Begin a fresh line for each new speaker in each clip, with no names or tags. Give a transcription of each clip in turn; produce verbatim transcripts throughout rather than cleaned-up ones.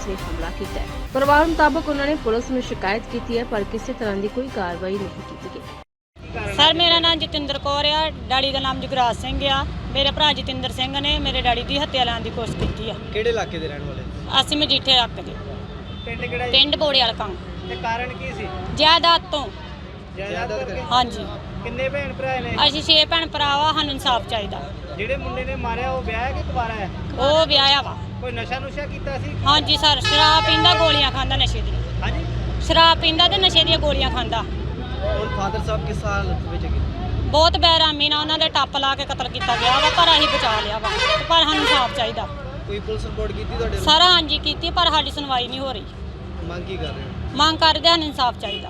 ने हमला किया है। परिवार मुताबिक उन्होंने पुलिस में शिकायत की है पर किसी तरह की कोई कार्रवाई नहीं की गई।
सर मेरा नाम जतिंदर कौर आ, डैडी का नाम जगराज सिंह आ। मेरे भरा जतिंदर सिंह ने मेरे डैडी की हत्या लाने की कोशिश की है।
ਕਿਹੜੇ ਇਲਾਕੇ ਦੇ ਰਹਿਣ ਵਾਲੇ?
ਅਸੀਂ ਮਜੀਠੇ ਰੱਖ ਦੇ
ਪਿੰਡ ਕਿਹੜਾ ਜੀ?
ਪਿੰਡ ਬੋੜੇ ਵਾਲਾ ਕੰਮ
ਤੇ ਕਾਰਨ ਕੀ ਸੀ?
ਜਾਇਦਾਦ ਤੋਂ।
ਜਾਇਦਾਦ ਕਰਕੇ?
ਹਾਂਜੀ
ਕਿੰਨੇ ਭੈਣ ਭਰਾ ਨੇ?
ਅਸੀਂ ਛੇ ਭੈਣ ਭਰਾ ਵਾ, ਸਾਨੂੰ ਇਨਸਾਫ ਚਾਹੀਦਾ।
ਜਿਹੜੇ ਮੁੰਡੇ ਨੇ ਮਾਰਿਆ ਉਹ ਵਿਆਹ ਹੈ ਕਿ ਕੁਵਾਰਾ ਹੈ?
ਉਹ ਵਿਆਹਿਆ ਵਾ।
ਕੋਈ ਨਸ਼ਾ ਨੁਸ਼ਾ ਕੀਤਾ ਸੀ?
ਹਾਂਜੀ ਸਰ, ਸ਼ਰਾਬ ਪੀਂਦਾ, ਗੋਲੀਆਂ ਖਾਂਦਾ ਨਸ਼ੇ ਦੀਆਂ।
ਹਾਂਜੀ।
ਸ਼ਰਾਬ ਪੀਂਦਾ ਤੇ ਨਸ਼ੇ ਦੀਆਂ ਗੋਲੀਆਂ ਖਾਂਦਾ।
ਔਰ ਫਾਦਰ ਸਾਹਿਬ ਕਿਸ ਹਾਲਤ ਵਿੱਚ ਹੈਗੇ?
ਬਹੁਤ ਬੇਰਹਿਮੀ ਨਾਲ ਉਹਨਾਂ ਦੇ ਟੱਪ ਲਾ ਕੇ ਕਤਲ ਕੀਤਾ ਗਿਆ ਵਾ, ਪਰ ਅਸੀਂ ਬਚਾ ਲਿਆ ਵਾ। ਤੇ ਪਰ ਸਾਨੂੰ ਇਨਸਾਫ ਚਾਹੀਦਾ।
ਕੋਈ ਪੁਲਿਸ ਰਿਪੋਰਟ ਕੀਤੀ ਤੁਹਾਡੇ ਵੱਲੋਂ?
ਸਾਰਾ ਹਾਂਜੀ ਕੀਤੀ, ਪਰ ਸਾਡੀ ਸੁਣਵਾਈ ਨਹੀਂ ਹੋ ਰਹੀ।
ਮੰਗ ਕੀ ਕਰ ਰਹੇ ਹੋ?
ਮੰਗ ਕਰਦੇ ਸਾਨੂੰ ਇਨਸਾਫ ਚਾਹੀਦਾ।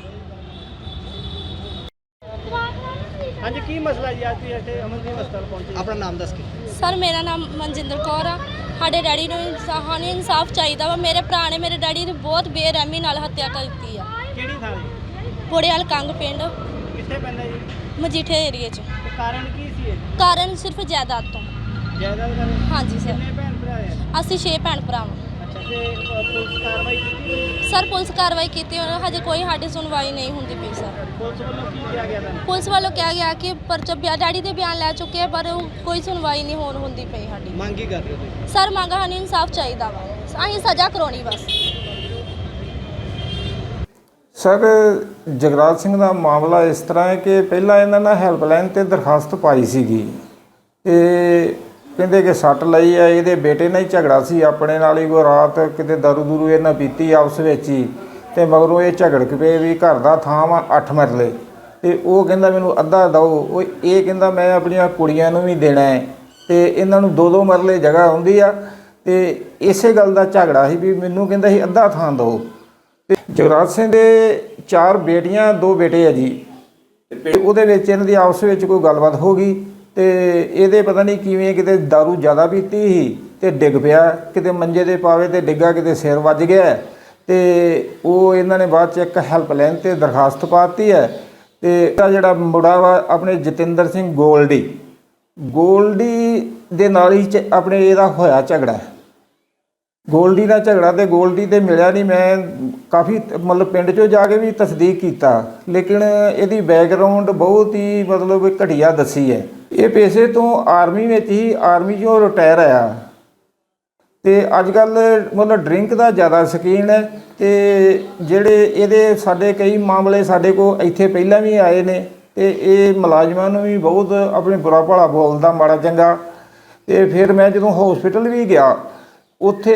ਹਾਂਜੀ, ਕੀ ਮਸਲਾ ਜੀ? ਅੱਜ ਤੁਸੀਂ ਇੱਥੇ ਅਮਨਦੀਪ ਹਸਪਤਾਲ ਪਹੁੰਚੇ? ਆਪਣਾ ਨਾਮ ਦੱਸ ਕੇ।
ਸਰ ਮੇਰਾ ਨਾਮ ਮਨਜਿੰਦਰ ਕੌਰ ਆ। ਸਾਡੇ ਡੈਡੀ ਨੂੰ ਸਾਨੂੰ ਇਨਸਾਫ ਚਾਹੀਦਾ ਵਾ। ਮੇਰੇ ਭਰਾ ਨੇ ਮੇਰੇ ਡੈਡੀ ਦੀ ਬਹੁਤ ਬੇਰਹਿਮੀ ਨਾਲ ਹੱਤਿਆ ਕਰ ਦਿੱਤੀ ਆ।
ਕਿਹੜੀ ਥਾਂ ਜੀ?
ਬੋੜੇਵਾਲ ਕੰਗ ਪਿੰਡ
ਕਿੱਥੇ ਪੈਂਦਾ ਜੀ?
ਮਜੀਠੇ ਏਰੀਏ 'ਚ।
ਤੇ ਕਾਰਨ ਕੀ ਸੀ ਇਹ?
ਕਾਰਨ ਸਿਰਫ ਜਾਇਦਾਦ ਤੋਂ।
ਜਾਇਦਾਦ ਕਰਕੇ?
ਹਾਂਜੀ ਸਰ।
ਕਿੰਨੇ ਭੈਣ ਭਰਾ ਹੈ?
ਅਸੀਂ ਛੇ ਭੈਣ ਭਰਾ ਵਾਂ।
ਅੱਛਾ, ਤੇ ਅ, ਪੁਲਿਸ ਕਾਰਵਾਈ ਕੀਤੀ?
ਸਰ ਪੁਲਿਸ ਕਾਰਵਾਈ ਕੀਤੀ, ਉਹਨਾਂ ਹਜੇ ਕੋਈ ਸਾਡੀ ਸੁਣਵਾਈ ਨਹੀਂ ਹੁੰਦੀ ਪਈ ਸਰ।
ਪੁਲਿਸ ਵੱਲੋਂ ਕੀ ਕਿਹਾ ਗਿਆ ਤੁਹਾਨੂੰ?
ਪੁਲਿਸ ਵੱਲੋਂ ਕਿਹਾ ਗਿਆ ਕਿ ਪਰਚਾ ਬਿਆ- ਡੈਡੀ ਦੇ ਬਿਆਨ ਲੈ ਚੁੱਕੇ ਆ, ਪਰ ਉਹ ਕੋਈ ਸੁਣਵਾਈ ਨਹੀਂ ਹੋਣ ਹੁੰਦੀ ਪਈ ਸਾਡੀ।
ਮੰਗ ਕੀ ਕਰ ਰਹੇ ਹੋ ਤੁਸੀਂ?
ਸਰ ਮੰਗ ਸਾਨੂੰ ਇਨਸਾਫ ਚਾਹੀਦਾ ਵਾ। ਅਸੀਂ ਸਜ਼ਾ ਕਰਾਉਣੀ ਬਸ।
ਸਰ ਜਗਰਾਜ ਸਿੰਘ ਦਾ ਮਾਮਲਾ ਇਸ ਤਰ੍ਹਾਂ ਹੈ ਕਿ ਪਹਿਲਾਂ ਇਹਨਾਂ ਨੇ ਹੈਲਪਲਾਈਨ 'ਤੇ ਦਰਖਾਸਤ ਪਾਈ ਸੀਗੀ ਤੇ ਕਹਿੰਦੇ ਕਿ ਸੱਟ ਲਈ ਆ। ਇਹਦੇ ਬੇਟੇ ਨਾਲ ਹੀ ਝਗੜਾ ਸੀ ਆਪਣੇ ਨਾਲ ਹੀ। ਕੋਈ ਰਾਤ ਕਿਤੇ ਦਾਰੂ ਦੂਰੂ ਇਹਨਾਂ ਪੀਤੀ ਆਪਸ ਵਿੱਚ ਹੀ ਅਤੇ ਮਗਰੋਂ ਇਹ ਝਗੜ ਪਏ ਵੀ ਘਰ ਦਾ ਥਾਂ ਵਾ ਅੱਠ ਮਰਲੇ ਅਤੇ ਉਹ ਕਹਿੰਦਾ ਮੈਨੂੰ ਅੱਧਾ ਦਿਓ। ਉਹ ਇਹ ਕਹਿੰਦਾ ਮੈਂ ਆਪਣੀਆਂ ਕੁੜੀਆਂ ਨੂੰ ਵੀ ਦੇਣਾ ਹੈ ਅਤੇ ਇਹਨਾਂ ਨੂੰ ਦੋ ਦੋ ਮਰਲੇ ਜਗ੍ਹਾ ਹੁੰਦੀ ਆ ਅਤੇ ਇਸੇ ਗੱਲ ਦਾ ਝਗੜਾ ਸੀ ਵੀ ਮੈਨੂੰ ਕਹਿੰਦਾ ਸੀ ਅੱਧਾ ਥਾਂ ਦਿਓ। ਅਤੇ ਜਗਰਾਜ ਸਿੰਘ ਦੇ ਚਾਰ ਬੇਟੀਆਂ ਦੋ ਬੇਟੇ ਆ ਜੀ। ਅਤੇ ਉਹਦੇ ਵਿੱਚ ਇਹਨਾਂ ਦੀ ਆਪਸ ਵਿੱਚ ਕੋਈ ਗੱਲਬਾਤ ਹੋ ਗਈ ਅਤੇ ਇਹਦੇ ਪਤਾ ਨਹੀਂ ਕਿਵੇਂ ਕਿਤੇ ਦਾਰੂ ਜ਼ਿਆਦਾ ਪੀਤੀ ਸੀ ਅਤੇ ਡਿੱਗ ਪਿਆ ਕਿਤੇ ਮੰਜੇ ਦੇ ਪਾਵੇ ਅਤੇ ਡਿੱਗਾ ਕਿਤੇ ਸਿਰ ਵੱਜ ਗਿਆ ਅਤੇ ਉਹ ਇਹਨਾਂ ਨੇ ਬਾਅਦ 'ਚ ਇੱਕ ਹੈਲਪਲਾਈਨ 'ਤੇ ਦਰਖਾਸਤ ਪਾ ਦਿੱਤੀ ਹੈ। ਅਤੇ ਇਹਦਾ ਜਿਹੜਾ ਮੁੰਡਾ ਵਾ ਆਪਣੇ ਜਤਿੰਦਰ ਸਿੰਘ ਗੋਲਡੀ ਗੋਲਡੀ ਦੇ ਨਾਲ ਹੀ ਚ ਆਪਣੇ ਇਹਦਾ ਹੋਇਆ ਝਗੜਾ। ਗੋਲਡੀ ਦਾ ਝਗੜਾ ਤੇ ਗੋਲਡੀ ਤੇ ਮਿਲਿਆ ਨਹੀਂ। ਮੈਂ ਕਾਫੀ ਮਤਲਬ ਪਿੰਡ 'ਚੋਂ ਜਾ ਕੇ ਵੀ ਤਸਦੀਕ ਕੀਤਾ ਲੇਕਿਨ ਇਹਦੀ ਬੈਕਗਰਾਊਂਡ ਬਹੁਤ ਹੀ ਮਤਲਬ ਘਟੀਆ ਦੱਸੀ ਹੈ। ਇਹ ਪੇਸ਼ੇ ਤੋਂ ਆਰਮੀ ਵਿੱਚ ਹੀ ਆਰਮੀ 'ਚੋਂ ਰਿਟਾਇਰ ਆਇਆ ਅਤੇ ਅੱਜ ਕੱਲ੍ਹ ਮਤਲਬ ਡਰਿੰਕ ਦਾ ਜ਼ਿਆਦਾ ਸ਼ੌਕੀਨ ਹੈ। ਅਤੇ ਜਿਹੜੇ ਇਹਦੇ ਸਾਡੇ ਕਈ ਮਾਮਲੇ ਸਾਡੇ ਕੋਲ ਇੱਥੇ ਪਹਿਲਾਂ ਵੀ ਆਏ ਨੇ ਅਤੇ ਇਹ ਮੁਲਾਜ਼ਮਾਂ ਨੂੰ ਵੀ ਬਹੁਤ ਆਪਣੇ ਬੁਰਾ ਭਲਾ ਬੋਲਦਾ ਮਾੜਾ ਚੰਗਾ। ਅਤੇ ਫਿਰ ਮੈਂ ਜਦੋਂ ਹੌਸਪੀਟਲ ਵੀ ਗਿਆ ਉੱਥੇ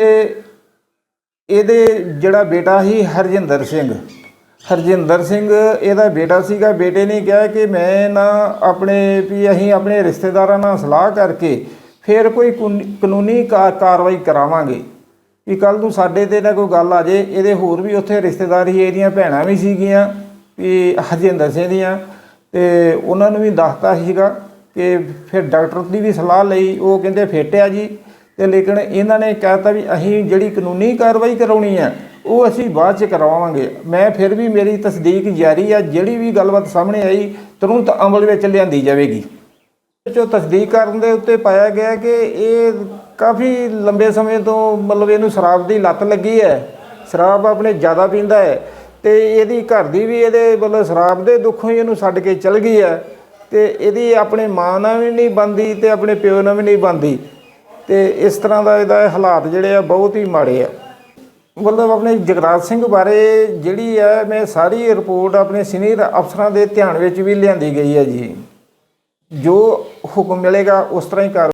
ਇਹਦੇ ਜਿਹੜਾ ਬੇਟਾ ਸੀ ਹਰਜਿੰਦਰ ਸਿੰਘ ਹਰਜਿੰਦਰ ਸਿੰਘ ਇਹਦਾ ਬੇਟਾ ਸੀਗਾ। ਬੇਟੇ ਨੇ ਕਿਹਾ ਕਿ ਮੈਂ ਨਾ ਆਪਣੇ ਵੀ ਅਸੀਂ ਆਪਣੇ ਰਿਸ਼ਤੇਦਾਰਾਂ ਨਾਲ ਸਲਾਹ ਕਰਕੇ ਫਿਰ ਕੋਈ ਕਾਨੂੰਨੀ ਕਾ ਕਾਰਵਾਈ ਕਰਾਵਾਂਗੇ ਵੀ ਕੱਲ੍ਹ ਨੂੰ ਸਾਡੇ 'ਤੇ ਨਾ ਕੋਈ ਗੱਲ ਆ ਜੇ। ਇਹਦੇ ਹੋਰ ਵੀ ਉੱਥੇ ਰਿਸ਼ਤੇਦਾਰ ਸੀ, ਇਹਦੀਆਂ ਭੈਣਾਂ ਵੀ ਸੀਗੀਆਂ ਵੀ ਹਰਜਿੰਦਰ ਸਿੰਘ ਦੀਆਂ ਅਤੇ ਉਹਨਾਂ ਨੂੰ ਵੀ ਦੱਸਤਾ ਸੀਗਾ ਕਿ ਫਿਰ ਡਾਕਟਰ ਦੀ ਵੀ ਸਲਾਹ ਲਈ। ਉਹ ਕਹਿੰਦੇ ਫਿੱਟ ਆ ਜੀ ਅਤੇ ਲੇਕਿਨ ਇਹਨਾਂ ਨੇ ਕਹਿਤਾ ਵੀ ਅਸੀਂ ਜਿਹੜੀ ਕਾਨੂੰਨੀ ਕਾਰਵਾਈ ਕਰਾਉਣੀ ਹੈ ਉਹ ਅਸੀਂ ਬਾਅਦ 'ਚ ਕਰਵਾਵਾਂਗੇ। ਮੈਂ ਫਿਰ ਵੀ ਮੇਰੀ ਤਸਦੀਕ ਜਾਰੀ ਆ। ਜਿਹੜੀ ਵੀ ਗੱਲਬਾਤ ਸਾਹਮਣੇ ਆਈ ਤੁਰੰਤ ਅਮਲ ਵਿੱਚ ਲਿਆਂਦੀ ਜਾਵੇਗੀ। ਜੋ ਤਸਦੀਕ ਕਰਨ ਦੇ ਉੱਤੇ ਪਾਇਆ ਗਿਆ ਕਿ ਇਹ ਕਾਫੀ ਲੰਬੇ ਸਮੇਂ ਤੋਂ ਮਤਲਬ ਇਹਨੂੰ ਸ਼ਰਾਬ ਦੀ ਲੱਤ ਲੱਗੀ ਹੈ। ਸ਼ਰਾਬ ਆਪਣੇ ਜ਼ਿਆਦਾ ਪੀਂਦਾ ਹੈ ਅਤੇ ਇਹਦੀ ਘਰ ਦੀ ਵੀ ਇਹਦੇ ਮਤਲਬ ਸ਼ਰਾਬ ਦੇ ਦੁੱਖੋਂ ਹੀ ਇਹਨੂੰ ਛੱਡ ਕੇ ਚਲ ਗਈ ਹੈ ਅਤੇ ਇਹਦੀ ਆਪਣੇ ਮਾਂ ਨਾਲ ਵੀ ਨਹੀਂ ਬਣਦੀ ਅਤੇ ਆਪਣੇ ਪਿਓ ਨਾਲ ਵੀ ਨਹੀਂ ਬਣਦੀ ਅਤੇ ਇਸ ਤਰ੍ਹਾਂ ਦਾ ਇਹਦਾ ਹਾਲਾਤ ਜਿਹੜੇ ਆ ਬਹੁਤ ਹੀ ਮਾੜੇ ਆ। ਮਤਲਬ ਆਪਣੇ ਜਗਰਾਜ ਸਿੰਘ ਬਾਰੇ ਜਿਹੜੀ ਹੈ ਮੈਂ ਸਾਰੀ ਰਿਪੋਰਟ ਆਪਣੇ ਸੀਨੀਅਰ ਅਫਸਰਾਂ ਦੇ ਧਿਆਨ ਵਿੱਚ ਵੀ ਲਿਆਂਦੀ ਗਈ ਹੈ ਜੀ। ਜੋ ਹੁਕਮ ਮਿਲੇਗਾ ਉਸ ਤਰ੍ਹਾਂ ਹੀ ਕਰ